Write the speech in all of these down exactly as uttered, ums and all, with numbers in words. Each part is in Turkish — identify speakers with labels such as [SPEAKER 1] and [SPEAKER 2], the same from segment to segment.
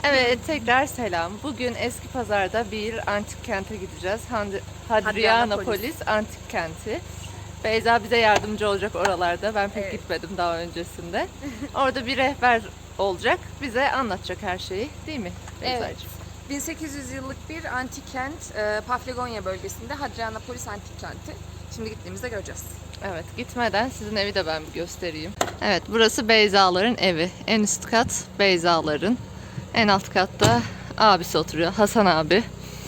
[SPEAKER 1] Evet, tekrar selam. Bugün Eski Pazar'da bir antik kente gideceğiz. Had- Hadrianapolis Antik Kenti. Beyza bize yardımcı olacak oralarda. Ben pek
[SPEAKER 2] Evet.
[SPEAKER 1] gitmedim daha öncesinde. Orada bir rehber olacak. Bize anlatacak her şeyi, değil mi
[SPEAKER 2] Evet.
[SPEAKER 1] Beyza'cığım?
[SPEAKER 2] bin sekiz yüz yıllık bir antik kent, e, Paflagonya bölgesinde Hadrianapolis Antik Kenti. Şimdi gittiğimizde göreceğiz.
[SPEAKER 1] Evet, gitmeden sizin evi de ben bir göstereyim. Evet, burası Beyzaların evi. En üst kat Beyzaların. En alt katta abisi oturuyor, Hasan abi.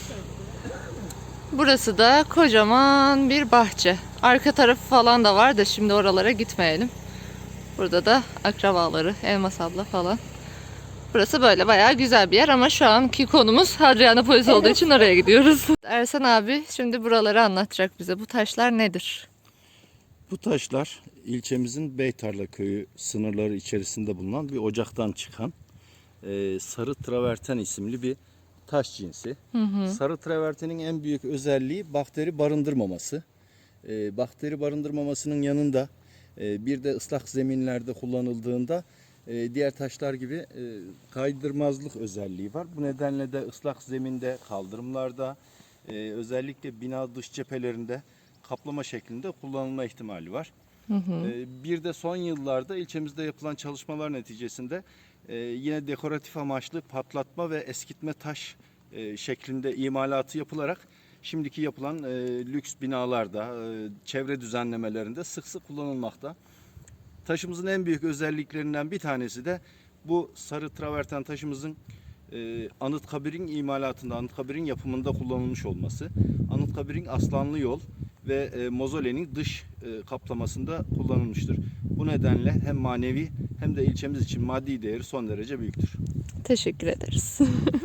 [SPEAKER 1] Burası da kocaman bir bahçe. Arka tarafı falan da var da şimdi oralara gitmeyelim. Burada da akrabaları, Elmas abla falan. Burası böyle bayağı güzel bir yer ama şu anki konumuz Hadrianapolis olduğu için oraya gidiyoruz. Ersan abi şimdi buraları anlatacak bize. Bu taşlar nedir?
[SPEAKER 3] Bu taşlar ilçemizin Beytarla köyü sınırları içerisinde bulunan bir ocaktan çıkan e, sarı traverten isimli bir taş cinsi.
[SPEAKER 1] Hı hı.
[SPEAKER 3] Sarı travertenin en büyük özelliği bakteri barındırmaması. E, bakteri barındırmamasının yanında e, bir de ıslak zeminlerde kullanıldığında e, diğer taşlar gibi e, kaydırmazlık özelliği var. Bu nedenle de ıslak zeminde, kaldırımlarda, e, özellikle bina dış cephelerinde kaplama şeklinde kullanılma ihtimali var.
[SPEAKER 1] Hı hı.
[SPEAKER 3] Ee, Bir de son yıllarda ilçemizde yapılan çalışmalar neticesinde e, yine dekoratif amaçlı patlatma ve eskitme taş e, şeklinde imalatı yapılarak şimdiki yapılan e, lüks binalarda, e, çevre düzenlemelerinde sık sık kullanılmakta. Taşımızın en büyük özelliklerinden bir tanesi de bu sarı traverten taşımızın e, Anıtkabir'in imalatında, Anıtkabir'in yapımında kullanılmış olması. Anıtkabir'in Aslanlı Yol ve e, mozolenin dış e, kaplamasında kullanılmıştır. Bu nedenle hem manevi hem de ilçemiz için maddi değeri son derece büyüktür.
[SPEAKER 1] Teşekkür ederiz.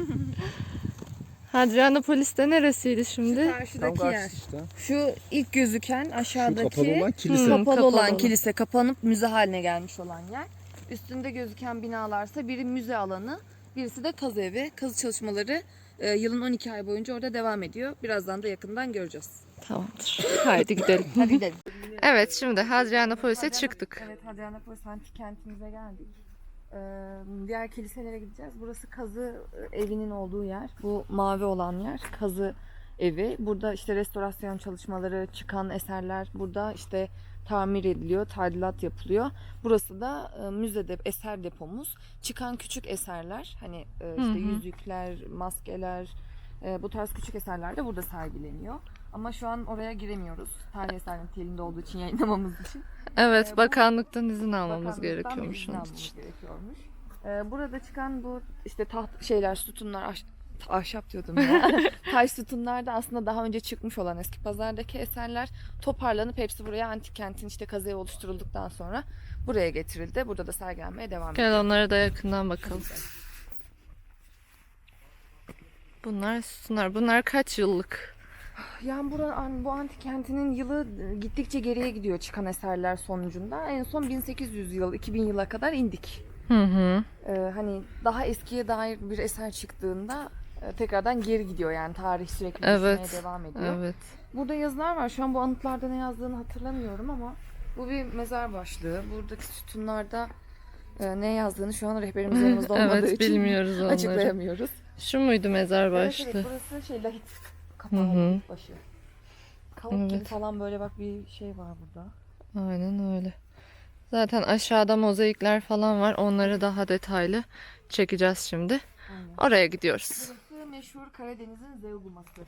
[SPEAKER 1] Hadrianapolis'te neresiydi şimdi?
[SPEAKER 2] Karşıdaki yer.
[SPEAKER 3] işte.
[SPEAKER 2] Şu ilk gözüken aşağıdaki
[SPEAKER 3] Şu kapalı olan kilise.
[SPEAKER 1] Hı.
[SPEAKER 2] kapalı
[SPEAKER 1] Kapalı
[SPEAKER 2] olan
[SPEAKER 1] olan.
[SPEAKER 2] kilise, kapanıp müze haline gelmiş olan yer. Üstünde gözüken binalarsa biri müze alanı, birisi de kazı evi. Kazı çalışmaları e, yılın on iki ay boyunca orada devam ediyor. Birazdan da yakından göreceğiz.
[SPEAKER 1] Tamamdır. Haydi gidelim.
[SPEAKER 2] Hadi gidelim.
[SPEAKER 1] Evet, şimdi Hadrianapolis'e çıktık.
[SPEAKER 2] Evet, Hadrianapolis antik kentimize geldik. Ee, diğer kiliselere gideceğiz. Burası kazı evinin olduğu yer. Bu mavi olan yer kazı evi. Burada işte restorasyon çalışmaları, çıkan eserler burada işte tamir ediliyor, tadilat yapılıyor. Burası da e, müzede eser depomuz. Çıkan küçük eserler, hani e, işte
[SPEAKER 1] Hı hı.
[SPEAKER 2] yüzükler, maskeler, e, bu tarz küçük eserler de burada sergileniyor. Ama şu an oraya giremiyoruz. Tarih eser niteliğinde olduğu için, yayınlamamız için.
[SPEAKER 1] Evet,
[SPEAKER 2] Ee, bu-
[SPEAKER 1] bakanlıktan izin almamız
[SPEAKER 2] Bakanlıktan
[SPEAKER 1] gerekiyormuş
[SPEAKER 2] bir izin
[SPEAKER 1] onun
[SPEAKER 2] almamız
[SPEAKER 1] için.
[SPEAKER 2] gerekiyormuş. Ee, burada çıkan bu işte taht şeyler, sütunlar, ahş- ahşap diyordum ya. Taş sütunlar da aslında daha önce çıkmış olan eski pazardaki eserler toparlanıp hepsi buraya antik kentin işte kazığı oluşturulduktan sonra buraya getirildi. Burada da sergilenmeye devam ediyor.
[SPEAKER 1] Gel onlara da yakından bakalım. Bunlar sütunlar. Bunlar kaç yıllık?
[SPEAKER 2] Yani bura, bu antik kentinin yılı gittikçe geriye gidiyor çıkan eserler sonucunda. En son bin sekiz yüz yıl, iki bin yıla kadar indik.
[SPEAKER 1] Hı hı.
[SPEAKER 2] Ee, hani daha eskiye dair bir eser çıktığında e, tekrardan geri gidiyor, yani tarih sürekli
[SPEAKER 1] Evet.
[SPEAKER 2] düşmeye devam ediyor.
[SPEAKER 1] Evet.
[SPEAKER 2] Burada yazılar var. Şu an bu anıtlarda ne yazdığını hatırlamıyorum ama bu bir mezar başlığı. Buradaki sütunlarda e, ne yazdığını şu an rehberimiz yanımızda olmadığı
[SPEAKER 1] Evet,
[SPEAKER 2] için
[SPEAKER 1] bilmiyoruz onları.
[SPEAKER 2] açıklayamıyoruz.
[SPEAKER 1] Şu muydu mezar
[SPEAKER 2] Evet,
[SPEAKER 1] başlı?
[SPEAKER 2] evet, burası şey lahit kapağı,
[SPEAKER 1] Hı hı.
[SPEAKER 2] lahit başı. Kavuk gibi
[SPEAKER 1] Evet.
[SPEAKER 2] falan böyle bak bir şey var burada.
[SPEAKER 1] Aynen öyle. Zaten aşağıda mozaikler falan var. Onları daha detaylı çekeceğiz şimdi.
[SPEAKER 2] Aynen.
[SPEAKER 1] Oraya gidiyoruz.
[SPEAKER 2] Burası meşhur Karadeniz'in Zeuguması.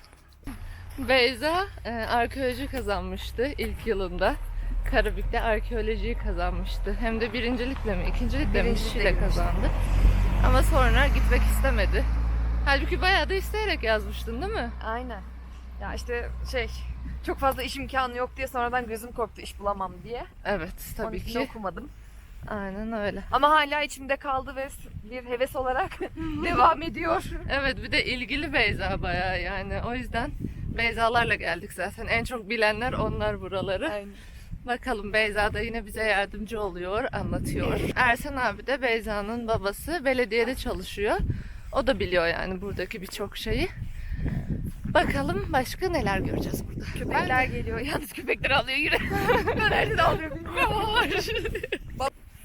[SPEAKER 1] Beyza e, arkeoloji kazanmıştı ilk yılında. Karabük'te arkeolojiyi kazanmıştı. Hem de birincilikle mi, ikincilikle mi bir şeyle
[SPEAKER 2] Birincilikle
[SPEAKER 1] kazandı. Ama sonra gitmek istemedi. Halbuki bayağı da isteyerek yazmıştın, değil mi?
[SPEAKER 2] Aynen. Ya işte şey, çok fazla iş imkanı yok diye sonradan gözüm korktu iş bulamam diye.
[SPEAKER 1] Evet,
[SPEAKER 2] Onun
[SPEAKER 1] tabii
[SPEAKER 2] için
[SPEAKER 1] ki.
[SPEAKER 2] okumadım.
[SPEAKER 1] Aynen öyle.
[SPEAKER 2] Ama hala içimde kaldı ve bir heves olarak devam ediyor.
[SPEAKER 1] Evet, bir de ilgili Beyza bayağı yani. O yüzden Beyzalarla geldik zaten. En çok bilenler onlar buraları.
[SPEAKER 2] Aynen.
[SPEAKER 1] Bakalım, Beyza da yine bize yardımcı oluyor, anlatıyor. Ersan abi de Beyza'nın babası, belediyede çalışıyor. O da biliyor yani buradaki birçok şeyi. Bakalım başka neler göreceğiz burada.
[SPEAKER 2] Köpekler geliyor. Yalnız köpekler alıyor yürü. Ben nereden alıyor bilmiyorum.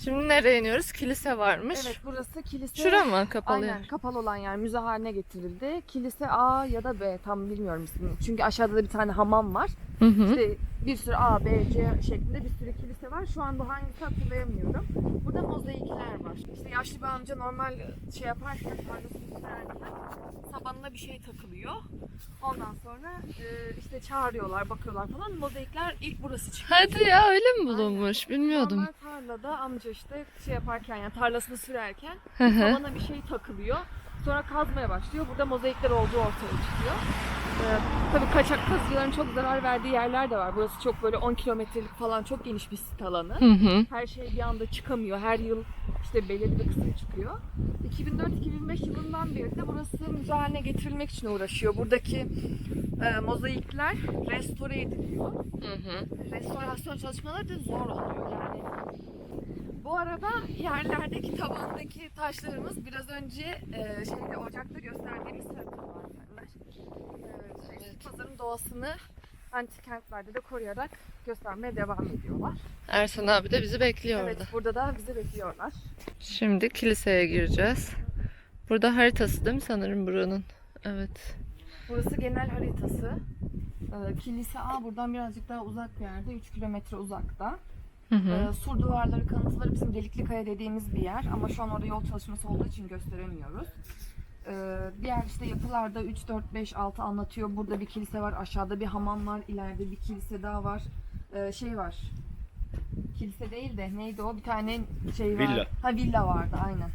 [SPEAKER 1] Şimdi nereye iniyoruz? Kilise varmış.
[SPEAKER 2] Evet, burası kilise.
[SPEAKER 1] Şura mı kapalı
[SPEAKER 2] Aynen,
[SPEAKER 1] yer?
[SPEAKER 2] kapalı olan yer müze haline getirildi. Kilise A ya da B, tam bilmiyorum ismini. Çünkü aşağıda da bir tane hamam var.
[SPEAKER 1] Hı hı.
[SPEAKER 2] İşte bir sürü A, B, C şeklinde bir sürü kilise var. Şu anda hangisi hatırlayamıyorum. Burada mozaikler var. İşte yaşlı bir amca normal şey yaparken, tarlasını sürerken sabanına bir şey takılıyor. Ondan sonra e, işte çağırıyorlar, bakıyorlar falan. Mozaikler ilk burası çıkıyor.
[SPEAKER 1] Hadi ya, öyle mi bulunmuş? Bilmiyordum.
[SPEAKER 2] Normal tarlada amca işte şey yaparken, yani tarlasını sürerken
[SPEAKER 1] Hı hı.
[SPEAKER 2] sabana bir şey takılıyor. Sonra kazmaya başlıyor. Burada mozaikler olduğu ortaya çıkıyor. Ee, tabii kaçak kazıcıların çok zarar verdiği yerler de var. Burası çok böyle on kilometrelik falan çok geniş bir sit alanı.
[SPEAKER 1] Hı hı.
[SPEAKER 2] Her şey bir anda çıkamıyor. Her yıl işte belirli bir kısım çıkıyor. iki bin dört iki bin beş yılından beri de burası müze haline getirilmek için uğraşıyor. Buradaki e, mozaikler restore ediliyor.
[SPEAKER 1] Hı hı.
[SPEAKER 2] Restorasyon çalışmaları da zor oluyor yani. Bu arada yerlerdeki tabandaki taşlarımız biraz önce e, şeyde ocakta gösterdiğimiz sarıklılarlar. E, şey, pazarın doğasını antik kentlerde de koruyarak göstermeye devam ediyorlar.
[SPEAKER 1] Ersan abi de bizi bekliyor
[SPEAKER 2] Evet,
[SPEAKER 1] orada.
[SPEAKER 2] burada da bizi bekliyorlar.
[SPEAKER 1] Şimdi kiliseye gireceğiz. Burada haritası değil mi sanırım buranın? Evet.
[SPEAKER 2] Burası genel haritası. E, Kilise A buradan birazcık daha uzak bir yerde, üç kilometre uzakta.
[SPEAKER 1] Hı hı.
[SPEAKER 2] Ee, sur duvarları, kanıtları bizim Delikli Kaya dediğimiz bir yer ama şu an orada yol çalışması olduğu için gösteremiyoruz. Ee, diğer işte yapılarda üç, dört, beş, altı anlatıyor. Burada bir kilise var, aşağıda bir hamam var, ileride bir kilise daha var. Ee, şey var. Kilise değil de neydi o? Bir tane şey var.
[SPEAKER 3] Villa.
[SPEAKER 2] Ha, villa vardı aynen.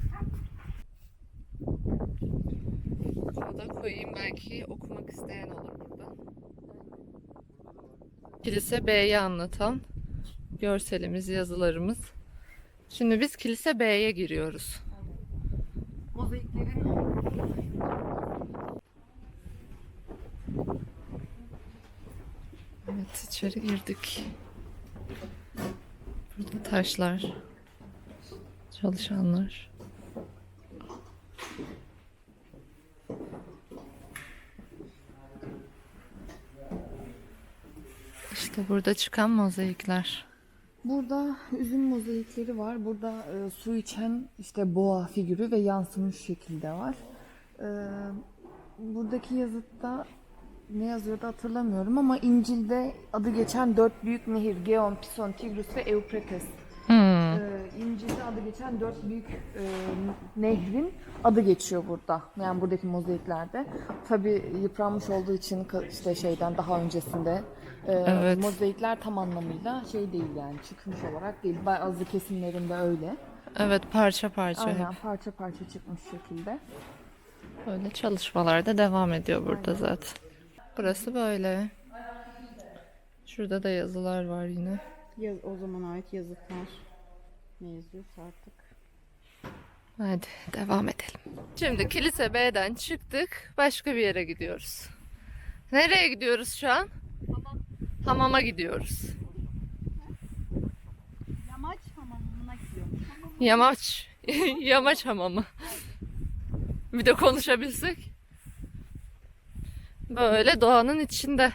[SPEAKER 1] Bunu da koyayım, belki okumak isteyen olur burada. Kilise B'yi anlatan görselimiz, yazılarımız. Şimdi biz Kilise B'ye giriyoruz.
[SPEAKER 2] Mozaiklerin
[SPEAKER 1] Evet, içeri girdik. Burada taşlar, çalışanlar. İşte burada çıkan mozaikler.
[SPEAKER 2] Burada üzüm mozaikleri var. Burada e, su içen işte boğa figürü ve yansımış şekilde var. E, buradaki yazıtta ne yazıyordu hatırlamıyorum ama İncil'de adı geçen dört büyük nehir, Geon, Pison, Tigris ve Eufrates.
[SPEAKER 1] Hmm.
[SPEAKER 2] E, İncil'de adı geçen dört büyük e, nehrin adı geçiyor burada. Yani buradaki mozaiklerde. Tabii yıpranmış olduğu için ka- işte şeyden daha öncesinde e,
[SPEAKER 1] Evet.
[SPEAKER 2] mozaikler tam anlamıyla şey değil, yani çıkmış olarak değil. Bazı kesimlerinde öyle.
[SPEAKER 1] Evet, parça parça
[SPEAKER 2] Aynen,
[SPEAKER 1] hep.
[SPEAKER 2] parça parça çıkmış şekilde.
[SPEAKER 1] Böyle çalışmalar da devam ediyor burada zaten. Burası böyle. Şurada da yazılar var yine.
[SPEAKER 4] Yaz, o zaman ait yazıtlar. Ne yazıyorsa artık.
[SPEAKER 1] Hadi devam edelim. Şimdi Kilise B'den çıktık. Başka bir yere gidiyoruz. Nereye gidiyoruz şu an?
[SPEAKER 2] Hamam.
[SPEAKER 1] Hamama gidiyoruz.
[SPEAKER 4] Yamaç hamamına gidiyor.
[SPEAKER 1] Yamaç. Yamaç hamamı. Bir de konuşabilsek. Böyle doğanın içinde.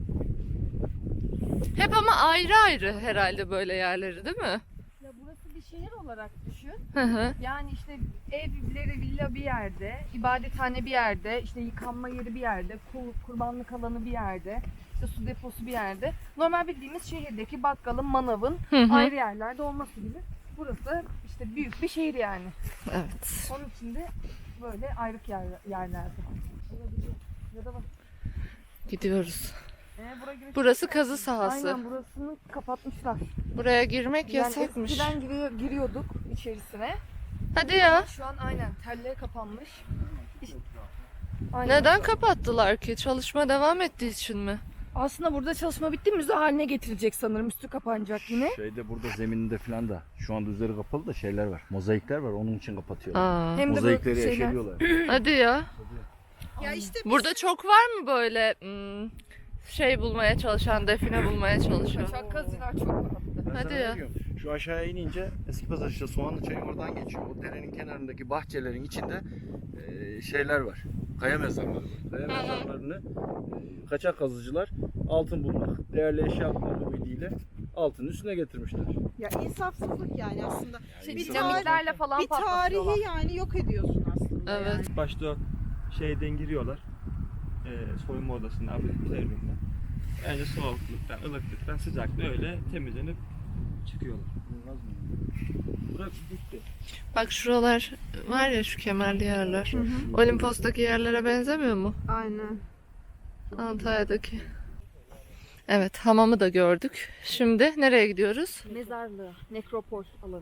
[SPEAKER 1] Hep ama ayrı ayrı herhalde böyle yerleri, değil mi?
[SPEAKER 2] Ya burası bir şehir olarak düşün.
[SPEAKER 1] Hı hı.
[SPEAKER 2] Yani işte evleri, villa bir yerde, ibadethane bir yerde, işte yıkanma yeri bir yerde, kur- kurbanlık alanı bir yerde, işte su deposu bir yerde. Normal bildiğimiz şehirdeki bakkalın, manavın
[SPEAKER 1] Hı hı.
[SPEAKER 2] ayrı yerlerde olması gibi. Burası işte büyük bir şehir yani.
[SPEAKER 1] Evet.
[SPEAKER 2] Onun içinde böyle ayrık yer, yerlerde. Ya da bak.
[SPEAKER 1] Gidiyoruz.
[SPEAKER 2] Ee, bura giriş-
[SPEAKER 1] Burası kazı sahası.
[SPEAKER 2] Aynen, burasını kapatmışlar.
[SPEAKER 1] Buraya girmek
[SPEAKER 2] Yani
[SPEAKER 1] yasakmış.
[SPEAKER 2] eskiden giriyor, giriyorduk içerisine.
[SPEAKER 1] Hadi ya.
[SPEAKER 2] Şu an aynen telleri kapanmış. İşte- Aynen.
[SPEAKER 1] Neden kapattılar ki? Çalışma devam ettiği için mi?
[SPEAKER 2] Aslında burada çalışma bitti, müze haline getirilecek sanırım. Üstü kapanacak yine.
[SPEAKER 3] Şeyde burada zemininde falan da şu anda üzeri kapalı da şeyler var. Mozaikler var, onun için kapatıyorlar.
[SPEAKER 1] Aa.
[SPEAKER 2] Hem de
[SPEAKER 3] Mozaikleri
[SPEAKER 2] böyle şeyler.
[SPEAKER 3] eşeliyorlar.
[SPEAKER 1] Hadi ya.
[SPEAKER 4] Ya işte
[SPEAKER 1] Burada çok var mı böyle hmm, şey bulmaya çalışan, define bulmaya çalışan?
[SPEAKER 2] Kaçak kazılar çok var.
[SPEAKER 3] Ben
[SPEAKER 1] Hadi
[SPEAKER 3] sana
[SPEAKER 1] ya.
[SPEAKER 3] ne diyorum? Şu aşağıya inince eski pazar işte Soğanlı Çayı oradan geçiyor. O derenin kenarındaki bahçelerin içinde e, şeyler var. Kaya mezarları var. Kaya mezarlarını e, kaçak kazıcılar altın bulmak, değerli eşya bulmak ümidiyle altının üstüne getirmişler.
[SPEAKER 4] Ya insafsızlık yani aslında.
[SPEAKER 2] Şey,
[SPEAKER 4] bir
[SPEAKER 2] dinamitlerle falan
[SPEAKER 4] bir
[SPEAKER 2] patlatıyorlar.
[SPEAKER 4] tarihi yani yok ediyorsun aslında.
[SPEAKER 1] Evet.
[SPEAKER 4] Yani.
[SPEAKER 5] Başta şeyden giriyorlar. E, soyunma odasına, akvaryumda. Önce soğukluktan, ılıklıktan, sıcaklıktan öyle temizlenip çıkıyorlar. Burası bitti.
[SPEAKER 1] Bak şuralar var ya, şu kemerli yerler. Olimpos'taki yerlere benzemiyor mu?
[SPEAKER 4] Aynen.
[SPEAKER 1] Antalya'daki. Evet, hamamı da gördük. Şimdi nereye gidiyoruz?
[SPEAKER 2] Mezarlığı, nekropol alanı.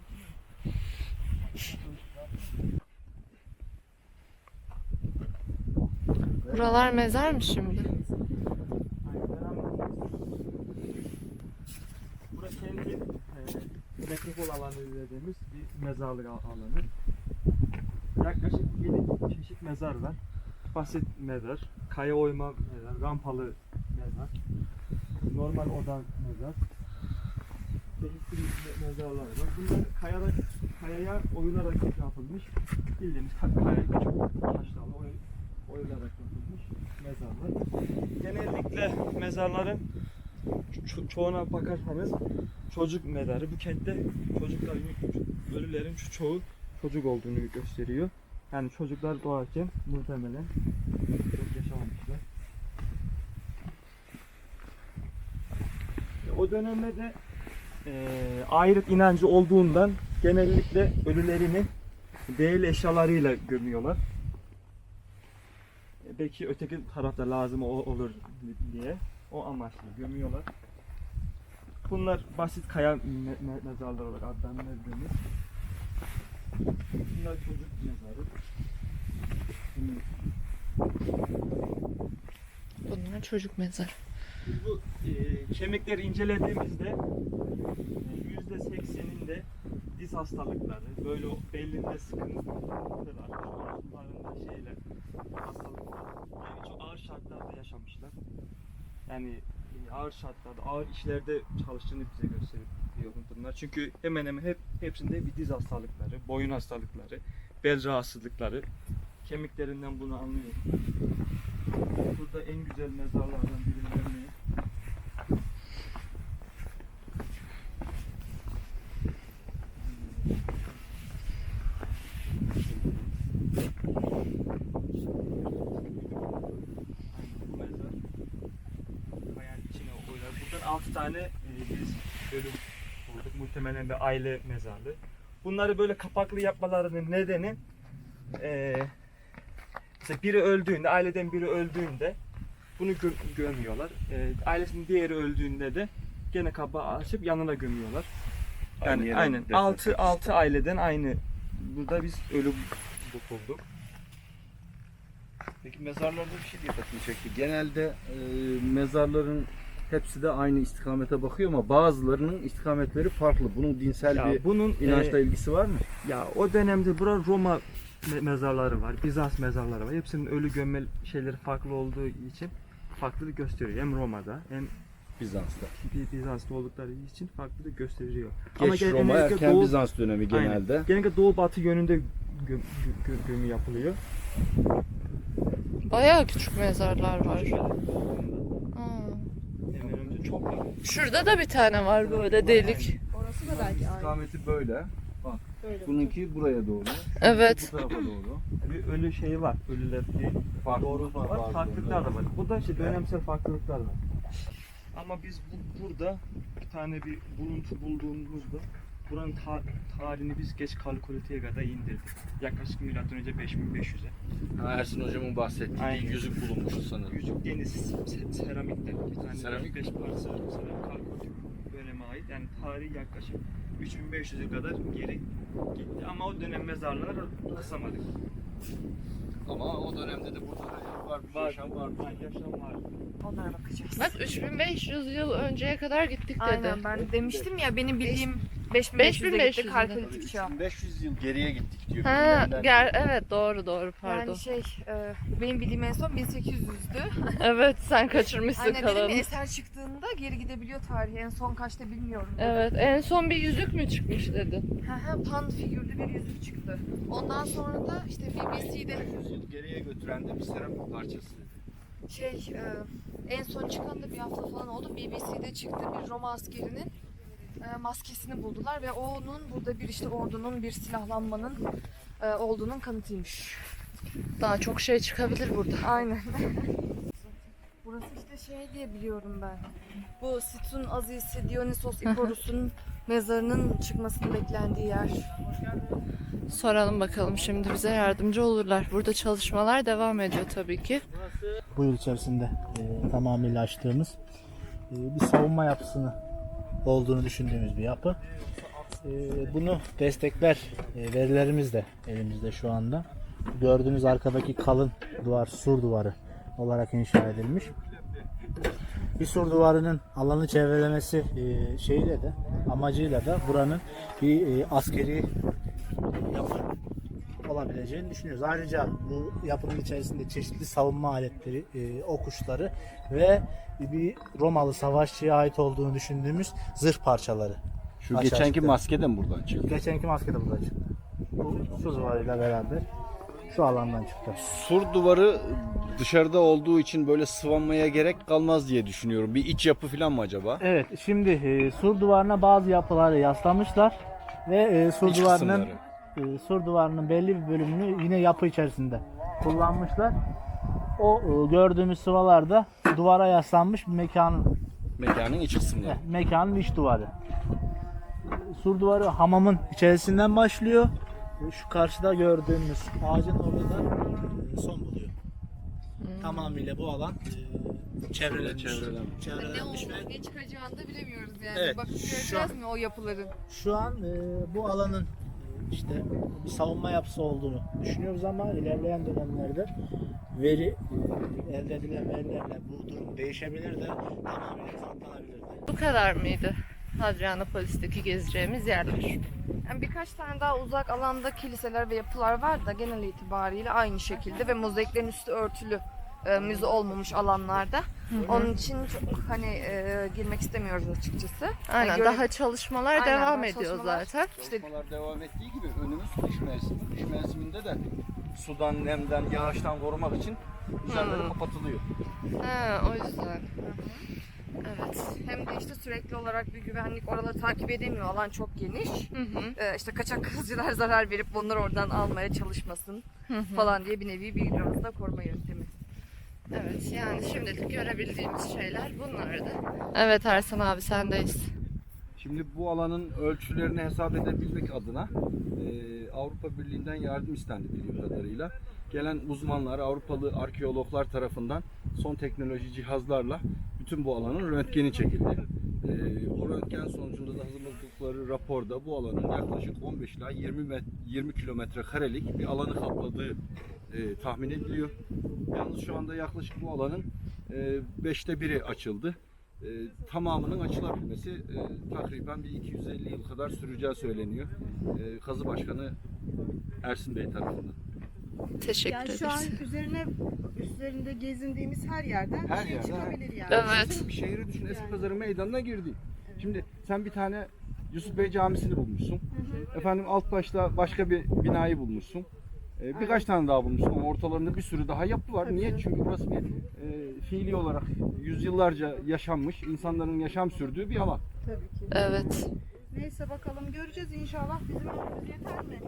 [SPEAKER 1] Buralar mezar mı şimdi?
[SPEAKER 5] Burası kendi e, nekropol alanı dediğimiz bir mezarlık al- alanı. Yaklaşık yedi çeşit mezar var. Basit mezar, kaya oyma mezar, rampalı mezar, normal oda mezar, çeşitli me- mezarlar var. Bunlar kayada, kayaya oyularak yapılmış, bildiğimiz ka- kaya küçük taşlarla oy, oyularak yapılmış mezarlar. Genellikle mezarların ço- çoğuna bakarsanız çocuk mezarı. Bu kentte çocukların, ölülerin ço- çoğu çocuk olduğunu gösteriyor. Yani çocuklar doğarken muhtemelen çok yaşamamışlar. E, O dönemde de e, ahiret inancı olduğundan genellikle ölülerini değerli eşyalarıyla gömüyorlar. E, belki öteki tarafta lazım o- olur diye o amaçla gömüyorlar. Bunlar basit kaya me- me- mezarlar olarak adlandırıldığımız. Bunlar çocuk mezarı.
[SPEAKER 1] Bunlar çocuk mezarı.
[SPEAKER 5] Biz bu e, kemikleri incelediğimizde e, yüzde sekseninde diz hastalıkları, böyle o belinde sıkıntılar, omuzlarında şeyler, hastalıklar, yani çok ağır şartlarda yaşamışlar. Yani e, ağır şartlarda, ağır işlerde çalıştığını bize gösteriyor bunlar. Çünkü hemen hemen hep hepsinde bir diz hastalıkları, boyun hastalıkları, bel rahatsızlıkları, kemiklerinden bunu anlıyoruz. Burada en güzel mezarlardan birinden ne? Bu mezar kayanın içine koyuyorlar. Buradan altı tane e, biz ölüm bulduk. Muhtemelen bir aile mezarlığı. Bunları böyle kapaklı yapmalarının nedeni e, mesela biri öldüğünde, aileden biri öldüğünde bunu gö- gömüyorlar. E, ailesinin diğeri öldüğünde de gene kapağı açıp yanına gömüyorlar.
[SPEAKER 3] Aynı
[SPEAKER 5] Yani
[SPEAKER 3] yere
[SPEAKER 5] aynen
[SPEAKER 3] defnetmek
[SPEAKER 5] altı
[SPEAKER 3] için.
[SPEAKER 5] altı aileden aynı. Burada biz ölü bu- bulduk.
[SPEAKER 3] Peki mezarlarda bir şey dikkatimi çekti. Genelde e, mezarların hepsi de aynı istikamete bakıyor ama bazılarının istikametleri farklı. Bunun dinsel
[SPEAKER 5] Ya
[SPEAKER 3] bir
[SPEAKER 5] bunun
[SPEAKER 3] inançla
[SPEAKER 5] e,
[SPEAKER 3] ilgisi var mı?
[SPEAKER 5] ya o dönemde bura Roma me- mezarları var, Bizans mezarları var. Hepsinin ölü gömme şeyleri farklı olduğu için farklılık gösteriyor. Hem Roma'da hem
[SPEAKER 3] Bizans'ta.
[SPEAKER 5] Bi- Bizans'ta oldukları için farklılık gösteriyor.
[SPEAKER 3] Geç
[SPEAKER 5] gen-
[SPEAKER 3] Roma,
[SPEAKER 5] genellikle
[SPEAKER 3] erken
[SPEAKER 5] Doğu-
[SPEAKER 3] Bizans dönemi genelde.
[SPEAKER 5] Aynen. Genellikle doğu batı yönünde gö- gö- gö- gömü yapılıyor.
[SPEAKER 1] Bayağı küçük mezarlar var.
[SPEAKER 5] Şöyle,
[SPEAKER 1] Aa.
[SPEAKER 5] hemen önce çok var.
[SPEAKER 1] Şurada da bir tane var böyle delik.
[SPEAKER 4] Orası da belki aynı.
[SPEAKER 3] İstikameti böyle. Bak.
[SPEAKER 4] Böyle.
[SPEAKER 3] Bununki buraya doğru.
[SPEAKER 1] Evet.
[SPEAKER 3] Bu tarafa doğru.
[SPEAKER 5] Bir ölü şeyi var. Ölüler diye
[SPEAKER 3] Farklılık
[SPEAKER 5] doğru
[SPEAKER 3] var,
[SPEAKER 5] var.
[SPEAKER 3] bazı
[SPEAKER 5] Farklılıklar da
[SPEAKER 3] yerlerde.
[SPEAKER 5] var. Bu da işte dönemsel farklılıklar var. Ama biz bu, burada bir tane bir buluntu bulduğumuzda buranın ta- tarihini biz geç kalkuliteye kadar indirdik. Yaklaşık milattan önce beş bin beş yüze.
[SPEAKER 3] Ha, Ersin hocamın bahsettiği
[SPEAKER 5] Aynen.
[SPEAKER 3] bir yüzük bulunmuştu sanırım.
[SPEAKER 5] Yüzük deniz se- seramikten bir tane
[SPEAKER 3] Seramik.
[SPEAKER 5] beş parça seramik kalkolitik döneme ait. Yani tarihi yaklaşık üç bin beş yüze kadar geri gitti. Ama o dönem mezarları rastlamadık.
[SPEAKER 3] Ama o dönemde de burada hayat var, bir
[SPEAKER 5] Var,
[SPEAKER 3] yaşam var.
[SPEAKER 5] var, yaşam var.
[SPEAKER 2] Onlara bakacağız.
[SPEAKER 1] Bak üç bin beş yüz yıl önceye kadar gittik dedi.
[SPEAKER 2] Aynen, ben demiştim ya, benim bildiğim beş bin
[SPEAKER 1] beş
[SPEAKER 2] beş
[SPEAKER 1] bin
[SPEAKER 2] yüze
[SPEAKER 1] beş
[SPEAKER 2] gitti
[SPEAKER 1] yüz'de.
[SPEAKER 2] kalkolitik çağ.
[SPEAKER 3] üç bin beş yüz yıl geriye gittik diyor.
[SPEAKER 1] Ha,
[SPEAKER 3] bilimlerden.
[SPEAKER 1] gel evet doğru doğru pardon.
[SPEAKER 2] Yani şey, e, benim bildiğim en son bin sekiz yüzdü.
[SPEAKER 1] Evet sen kaçırmışsın
[SPEAKER 2] Aynen, dedim ya,
[SPEAKER 1] kalanı.
[SPEAKER 2] eser çıktığında geri gidebiliyor tarihi. En son kaçta bilmiyorum.
[SPEAKER 1] Evet en son bir yüzük mü çıkmış dedin?
[SPEAKER 2] Hı hı, pan figürlü bir yüzük çıktı. Ondan sonra da işte B B C'de
[SPEAKER 3] beş yüz yıl geriye götüren de bir seramik parçası.
[SPEAKER 2] Şey e, en son çıkan da bir hafta falan oldu. B B C'de çıktı, bir Roma askerinin e, maskesini buldular ve onun burada bir işte ordunun, bir silahlanmanın e, olduğunun kanıtıymış.
[SPEAKER 1] Daha çok şey çıkabilir burada.
[SPEAKER 2] Aynen. Burası işte şey diye biliyorum ben. Bu Situn Azisi Dionysos Iporus'un mezarının çıkmasını beklendiği yer.
[SPEAKER 1] Soralım bakalım, şimdi bize yardımcı olurlar. Burada çalışmalar devam ediyor tabii ki.
[SPEAKER 6] Bu yıl içerisinde e, tamamıyla açtığımız e, bir savunma yapısını olduğunu düşündüğümüz bir yapı. E, bunu destekler e, verilerimiz de elimizde şu anda. Gördüğünüz arkadaki kalın duvar sur duvarı olarak inşa edilmiş. Bir sur duvarının alanı çevrelemesi e, şeyiyle de amacıyla da buranın bir e, askeri yapı olabileceğini düşünüyoruz. Ayrıca bu yapının içerisinde çeşitli savunma aletleri, e, okuşları ve bir Romalı savaşçıya ait olduğunu düşündüğümüz zırh parçaları.
[SPEAKER 3] Şu
[SPEAKER 6] Aşağı
[SPEAKER 3] geçenki
[SPEAKER 6] çıktı.
[SPEAKER 3] maske de mi buradan çıktı?
[SPEAKER 6] Geçenki maske de burada çıktı. Bu su duvarıyla beraber şu alandan çıktı.
[SPEAKER 3] Sur duvarı dışarıda olduğu için böyle sıvanmaya gerek kalmaz diye düşünüyorum. Bir iç yapı falan mı acaba?
[SPEAKER 6] Evet, şimdi e, sur duvarına bazı yapıları yaslamışlar ve e, sur
[SPEAKER 3] İç
[SPEAKER 6] duvarının
[SPEAKER 3] kısımları.
[SPEAKER 6] e, sur duvarının belli bir bölümünü yine yapı içerisinde kullanmışlar. O e, gördüğümüz sıvalarda duvara yaslanmış bir mekanın
[SPEAKER 3] Mekanın iç kısımları.
[SPEAKER 6] mekanın iç duvarı. Sur duvarı hamamın içerisinden başlıyor. Şu karşıda gördüğümüz ağacın orada da e, son buluyor. Tamamıyla bu alan e, çevrelenmiş.
[SPEAKER 3] Çevrelenmiş.
[SPEAKER 6] Çevrelenmiş ve
[SPEAKER 2] ne çıkacağını da bilemiyoruz yani.
[SPEAKER 6] Evet,
[SPEAKER 2] Bakıp
[SPEAKER 6] şu
[SPEAKER 2] göreceğiz
[SPEAKER 6] an-
[SPEAKER 2] mi o yapıların?
[SPEAKER 6] şu an e, bu alanın e, işte bir savunma yapısı olduğunu düşünüyoruz ama ilerleyen dönemlerde veri e, elde edilen verilerle bu durum değişebilir de tamamıyla kanıtlanabilir de.
[SPEAKER 1] Bu kadar mıydı Hadrianopolis'teki gezeceğimiz yerler?
[SPEAKER 2] Yani birkaç tane daha uzak alanda kiliseler ve yapılar var da genel itibariyle aynı şekilde ve mozaiklerin üstü örtülü e, müze olmamış alanlarda. Onun için çok hani e, girmek istemiyoruz açıkçası.
[SPEAKER 1] Aynen,
[SPEAKER 2] Hani göre-
[SPEAKER 1] daha çalışmalar
[SPEAKER 2] Aynen,
[SPEAKER 1] devam
[SPEAKER 2] daha
[SPEAKER 1] ediyor
[SPEAKER 2] çalışmalar-
[SPEAKER 1] zaten.
[SPEAKER 2] İşte
[SPEAKER 3] Çalışmalar devam ettiği gibi önümüz kış mevsimi. Kış mevsiminde de sudan, nemden, yağıştan korumak için üzerleri
[SPEAKER 1] Hmm.
[SPEAKER 3] kapatılıyor.
[SPEAKER 1] Ha, o yüzden. Evet.
[SPEAKER 2] hem de işte sürekli olarak bir güvenlik oraları takip edemiyor. Alan çok geniş.
[SPEAKER 1] Hı hı.
[SPEAKER 2] E, işte kaçak kızcılar zarar verip bunları oradan almaya çalışmasın falan diye bir nevi bir biraz da koruma yöntemi.
[SPEAKER 1] Evet, yani şimdilik görebildiğimiz şeyler bunlardı. Evet Ersan abi, sendeyiz.
[SPEAKER 3] Şimdi bu alanın ölçülerini hesap edebilmek adına e, Avrupa Birliği'nden yardım istendi bildiğim kadarıyla. Gelen uzmanlar, Avrupalı arkeologlar tarafından son teknoloji cihazlarla bütün bu alanın röntgeni çekildi. E, o röntgen sonucunda da hazırladıkları raporda bu alanın yaklaşık on beş ila yirmi kilometre karelik bir alanı kapladığı e, tahmin ediliyor. Yalnız şu anda yaklaşık bu alanın e, beşte biri açıldı. E, tamamının açılabilmesi e, takriben bir iki yüz elli yıl kadar süreceği söyleniyor. E, Kazı Başkanı Ersin Bey tarafından.
[SPEAKER 1] Teşekkür
[SPEAKER 4] Yani
[SPEAKER 1] ederiz.
[SPEAKER 4] şu an üzerine üzerinde gezindiğimiz her yerden
[SPEAKER 3] Her
[SPEAKER 4] bir şey
[SPEAKER 3] yerden,
[SPEAKER 4] çıkabilir yani.
[SPEAKER 1] Evet.
[SPEAKER 3] Bir şehri düşün,
[SPEAKER 4] Yani.
[SPEAKER 3] Eskipazarı meydanına girdi. Şimdi sen bir tane Yusuf Bey Camisi'ni bulmuşsun. Efendim alt başta başka bir binayı bulmuşsun. Ee, birkaç tane daha bulmuşsun ama ortalarında bir sürü daha yapı var.
[SPEAKER 4] Tabii
[SPEAKER 3] Niye?
[SPEAKER 4] canım.
[SPEAKER 3] Çünkü burası bir e, fiili olarak yüzyıllarca yaşanmış, insanların yaşam sürdüğü bir alan.
[SPEAKER 4] Tabii ki.
[SPEAKER 1] Evet.
[SPEAKER 4] Neyse bakalım göreceğiz inşallah. Bizim ömrümüz yeter mi?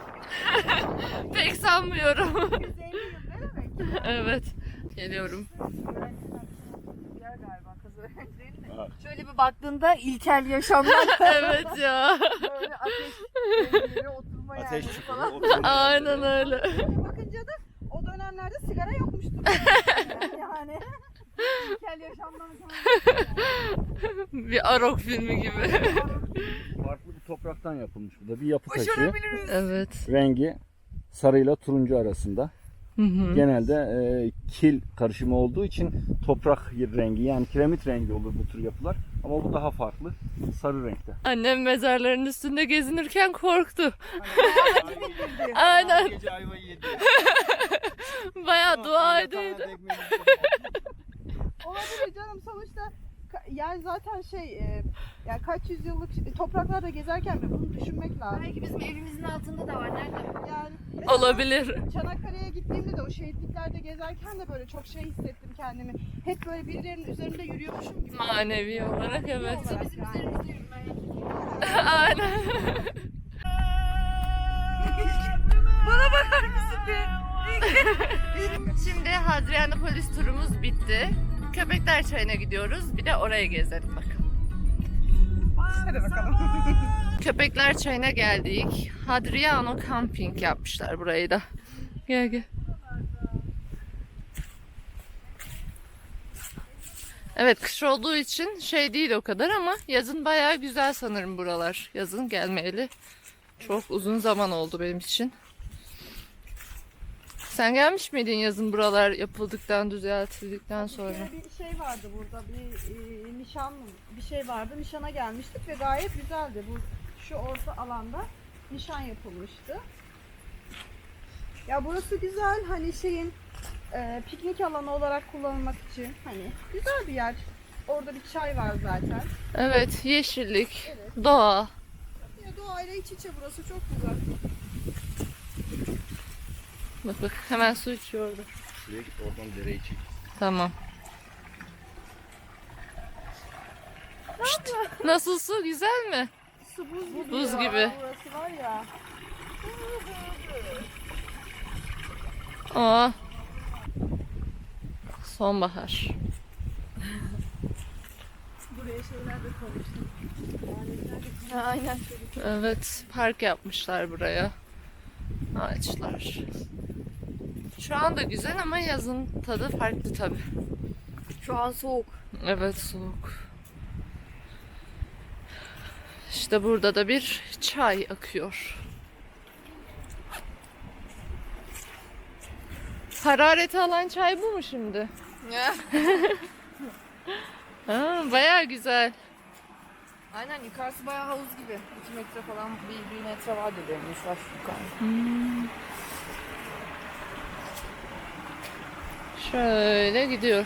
[SPEAKER 1] Pek sanmıyorum.
[SPEAKER 4] yüz elli yıl ne demek?
[SPEAKER 1] Evet. Geliyorum.
[SPEAKER 2] Yer galiba kazı değil mi?
[SPEAKER 3] Evet.
[SPEAKER 2] Şöyle bir baktığında ilkel yaşamlar
[SPEAKER 1] Evet ya.
[SPEAKER 2] böyle ateş yere oturma
[SPEAKER 3] Ateş
[SPEAKER 2] yerleri
[SPEAKER 3] çıkıyor.
[SPEAKER 2] falan.
[SPEAKER 3] oturuyor.
[SPEAKER 1] Aynen öyle.
[SPEAKER 4] Bakınca da o dönemlerde sigara yokmuştu. yani.
[SPEAKER 2] İlkel yaşamdan sonra.
[SPEAKER 1] Bir Arok filmi gibi.
[SPEAKER 3] Farklı bir topraktan yapılmış bu da bir yapı taşı.
[SPEAKER 2] Başarabiliriz.
[SPEAKER 1] Evet.
[SPEAKER 3] Rengi sarıyla turuncu arasında.
[SPEAKER 1] Hı hı.
[SPEAKER 3] Genelde e, kil karışımı olduğu için toprak rengi yani kiremit rengi olur bu tür yapılar. Ama bu daha farklı. Sarı renkte.
[SPEAKER 1] Annem mezarların üstünde gezinirken korktu. Aynen.
[SPEAKER 3] Gece ayvayı yedi.
[SPEAKER 1] Bayağı dua ediydi.
[SPEAKER 4] Olabilir canım sonuçta ka- yani zaten şey e, yani kaç yüzyıllık topraklarda gezerken de bunu düşünmek lazım.
[SPEAKER 2] Belki bizim evimizin altında da var. Nerede?
[SPEAKER 4] Yani mesela
[SPEAKER 1] Olabilir.
[SPEAKER 4] Çanakkale'ye gittiğimizde gittiğimde de o şehitliklerde gezerken de böyle çok şey hissettim kendimi. Hep böyle birilerinin üzerinde yürüyormuşum gibi.
[SPEAKER 1] Manevi olarak evet.
[SPEAKER 4] Olarak
[SPEAKER 2] Bizim
[SPEAKER 4] yani.
[SPEAKER 2] üzerimizde yürümeye
[SPEAKER 1] Aynen.
[SPEAKER 2] Bana bakar mısın be?
[SPEAKER 1] Şimdi Hadrianopolis turumuz bitti. Köpekler Çayı'na gidiyoruz. Bir de oraya gezelim bakalım.
[SPEAKER 4] Hadi bakalım.
[SPEAKER 1] Köpekler Çayı'na geldik. Hadriano Camping yapmışlar burayı da. Gel gel. Evet, kış olduğu için şey değil o kadar ama yazın bayağı güzel sanırım buralar. Yazın gelmeyeli çok uzun zaman oldu benim için. Sen gelmiş miydin yazın buralar yapıldıktan, düzeltildikten sonra?
[SPEAKER 4] Bir bir şey vardı burada, bir e, nişan bir şey vardı. Nişana gelmiştik ve gayet güzeldi. Bu şu orta alanda nişan yapılmıştı. Ya burası güzel, hani şeyin e, piknik alanı olarak kullanılmak için hani güzel bir yer. Orada bir çay var zaten.
[SPEAKER 1] Evet, yeşillik, doğa.
[SPEAKER 4] Ya doğayla iç içe burası çok güzel.
[SPEAKER 1] Bak bak, hemen su içiyor orada.
[SPEAKER 3] Şuraya git, oradan dereyi çek.
[SPEAKER 1] Tamam. Şşt, nasıl su? Güzel mi?
[SPEAKER 4] Su buz gibi.
[SPEAKER 1] Buz
[SPEAKER 4] ya.
[SPEAKER 1] gibi.
[SPEAKER 4] Burası var ya.
[SPEAKER 1] Aa. Sonbahar.
[SPEAKER 4] Buraya şeyler de koymuştum.
[SPEAKER 2] Aynen.
[SPEAKER 1] Evet, park yapmışlar buraya. Ağaçlar. Şu anda güzel ama yazın tadı farklı tabii.
[SPEAKER 2] Şu an soğuk.
[SPEAKER 1] Evet, soğuk. İşte burada da bir çay akıyor. Harareti alan çay bu mu şimdi? Ha, bayağı güzel.
[SPEAKER 2] Aynen, yukarısı bayağı havuz gibi. iki metre falan, bir, bir metre vardır benim şu yukarı.
[SPEAKER 1] Şöyle gidiyor.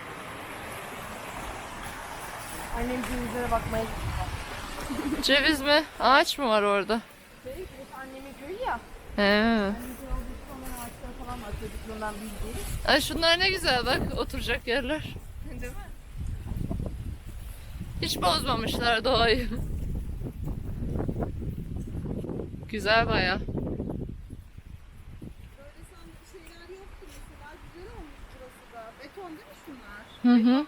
[SPEAKER 2] Annem cevizlere bakmaya gitti.
[SPEAKER 1] Ceviz mi? Ağaç mı var orada?
[SPEAKER 2] Şey, burası annemin köyü ya.
[SPEAKER 1] He.
[SPEAKER 2] Annemin köyü olduğu için onların ağaçları falan var çocukluğundan bildiğim.
[SPEAKER 1] Ay şunlar ne güzel bak, oturacak yerler.
[SPEAKER 2] Değil mi?
[SPEAKER 1] Hiç bozmamışlar doğayı. Güzel bayağı.
[SPEAKER 4] Böyle sanki şeyler yoktu mesela. Güzel olmuş burası da. Beton değil mi şunlar?
[SPEAKER 1] Hı hı.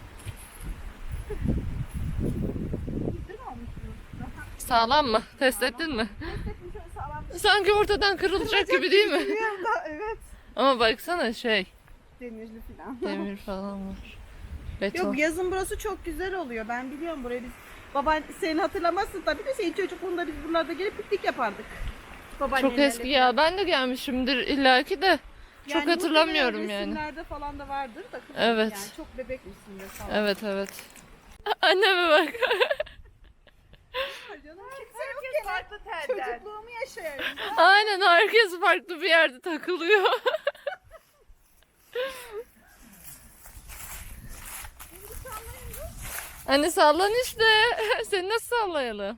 [SPEAKER 4] Güzel olmuş burası.
[SPEAKER 1] Sağlam mı? Test ettin mi?
[SPEAKER 4] Destekmiş öyle sağlam.
[SPEAKER 1] Sanki ortadan kırılacak gibi değil mi?
[SPEAKER 4] Biliyorum da evet.
[SPEAKER 1] Ama baksana şey,
[SPEAKER 4] Demirli falan.
[SPEAKER 1] demir falan var. Beton.
[SPEAKER 4] Yok, yazın burası çok güzel oluyor. Ben biliyorum burayı biz. Baban sen hatırlamazsın tabii de senin çocukluğunda biz buralarda gelip piknik yapardık.
[SPEAKER 1] Çok
[SPEAKER 4] Babaannelerle
[SPEAKER 1] eski ya. Ben de gelmişimdir illaki de. Çok
[SPEAKER 4] Yani
[SPEAKER 1] hatırlamıyorum
[SPEAKER 4] muhtemelen
[SPEAKER 1] yani.
[SPEAKER 4] resimlerde falan da vardır da kızım,
[SPEAKER 1] Evet.
[SPEAKER 4] yani çok bebekmişsindir falan.
[SPEAKER 1] Evet evet. Anneme bak.
[SPEAKER 4] Canım kimse yok gene.
[SPEAKER 2] Farklı telden.
[SPEAKER 4] Çocukluğumu yaşayayım.
[SPEAKER 1] Aynen, herkes farklı bir yerde takılıyor. Anne sallan işte. Seni nasıl sallayalım?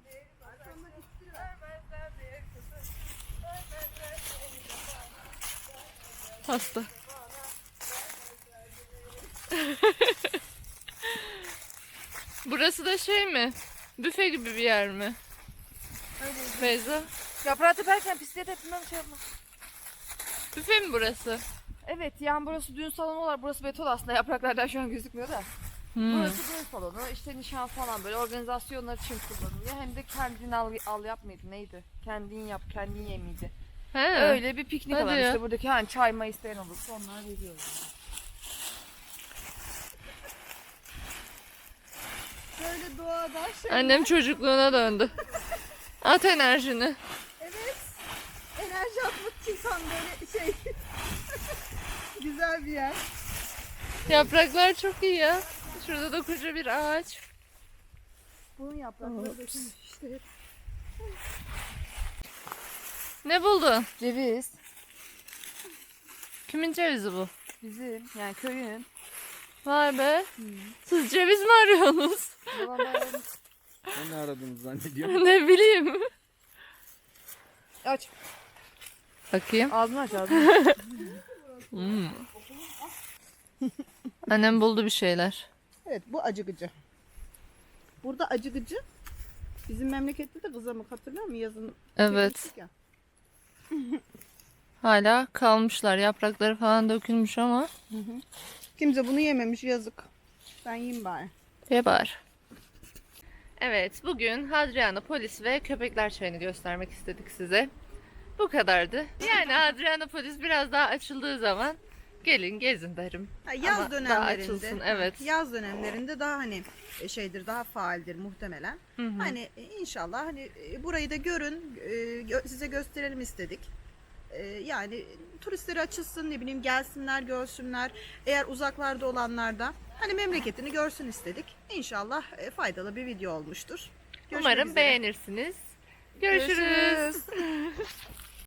[SPEAKER 1] Hasta. Burası da şey mi? Büfe gibi bir yer mi? Beyza.
[SPEAKER 2] Yaprağı teperken pisliğe tepinmem şey yapma.
[SPEAKER 1] Büfe mi burası?
[SPEAKER 2] Evet, yani burası düğün salonu olarak, burası beton aslında, yapraklardan şu an gözükmüyor da.
[SPEAKER 1] Hmm.
[SPEAKER 2] Burası düğün salonu, işte nişan falan böyle organizasyonlar için kullanılıyor. Hem de kendin al, al yap mıydı, neydi? Kendin yap, kendin ye miydi?
[SPEAKER 1] He.
[SPEAKER 2] Öyle bir piknik
[SPEAKER 1] Hadi
[SPEAKER 2] alanı
[SPEAKER 1] ya.
[SPEAKER 2] işte, buradaki hani çay may isteyen olursa onlar veriyor.
[SPEAKER 4] Böyle doğada şey.
[SPEAKER 1] Annem çocukluğuna döndü. At enerjini.
[SPEAKER 4] Evet. Enerji atmak için tam böyle şey. Güzel bir yer.
[SPEAKER 1] Yapraklar çok iyi ya. Şurada da koca bir ağaç.
[SPEAKER 4] Bunun yaprakları dökülmüş işte.
[SPEAKER 1] Ne buldun?
[SPEAKER 2] Ceviz.
[SPEAKER 1] Kimin cevizi bu?
[SPEAKER 2] Bizim, yani köyün.
[SPEAKER 1] Vay be. Siz ceviz mi arıyorsunuz?
[SPEAKER 2] Babamların...
[SPEAKER 3] Ben ne aradığını zannediyorum.
[SPEAKER 1] Ne bileyim.
[SPEAKER 2] Aç.
[SPEAKER 1] Bakayım.
[SPEAKER 2] Ağzını aç ağzını.
[SPEAKER 1] Hmm. Annem buldu bir şeyler.
[SPEAKER 4] Evet, bu acıgıcı. Burada acıgıcı. Bizim memlekette de kızamık, hatırlıyor musun? Yazın
[SPEAKER 1] Evet.
[SPEAKER 4] çekmiştik ya.
[SPEAKER 1] Hala kalmışlar. Yaprakları falan dökülmüş ama
[SPEAKER 4] Kimse bunu yememiş, yazık. Ben yiyeyim bari.
[SPEAKER 1] ye bari. Evet, bugün Hadrianopolis ve Köpekler Çayı'nı göstermek istedik size. Bu kadardı. Yani Hadrianopolis biraz daha açıldığı zaman gelin gezin derim.
[SPEAKER 4] Ha, yaz
[SPEAKER 1] Ama daha
[SPEAKER 4] dönemlerinde.
[SPEAKER 1] açılsın, evet.
[SPEAKER 4] Yaz dönemlerinde daha hani e, şeydir, daha faaldir muhtemelen.
[SPEAKER 1] Hı hı.
[SPEAKER 4] Hani e, inşallah hani e, burayı da görün, e, gö- size gösterelim istedik. E, Yani turistleri açılsın, ne bileyim gelsinler, görsünler. Eğer uzaklarda olanlar da hani memleketini görsün istedik. İnşallah e, faydalı bir video olmuştur. Görüşmek
[SPEAKER 1] Umarım
[SPEAKER 4] üzere.
[SPEAKER 1] beğenirsiniz. Görüşürüz.
[SPEAKER 4] Görüşürüz.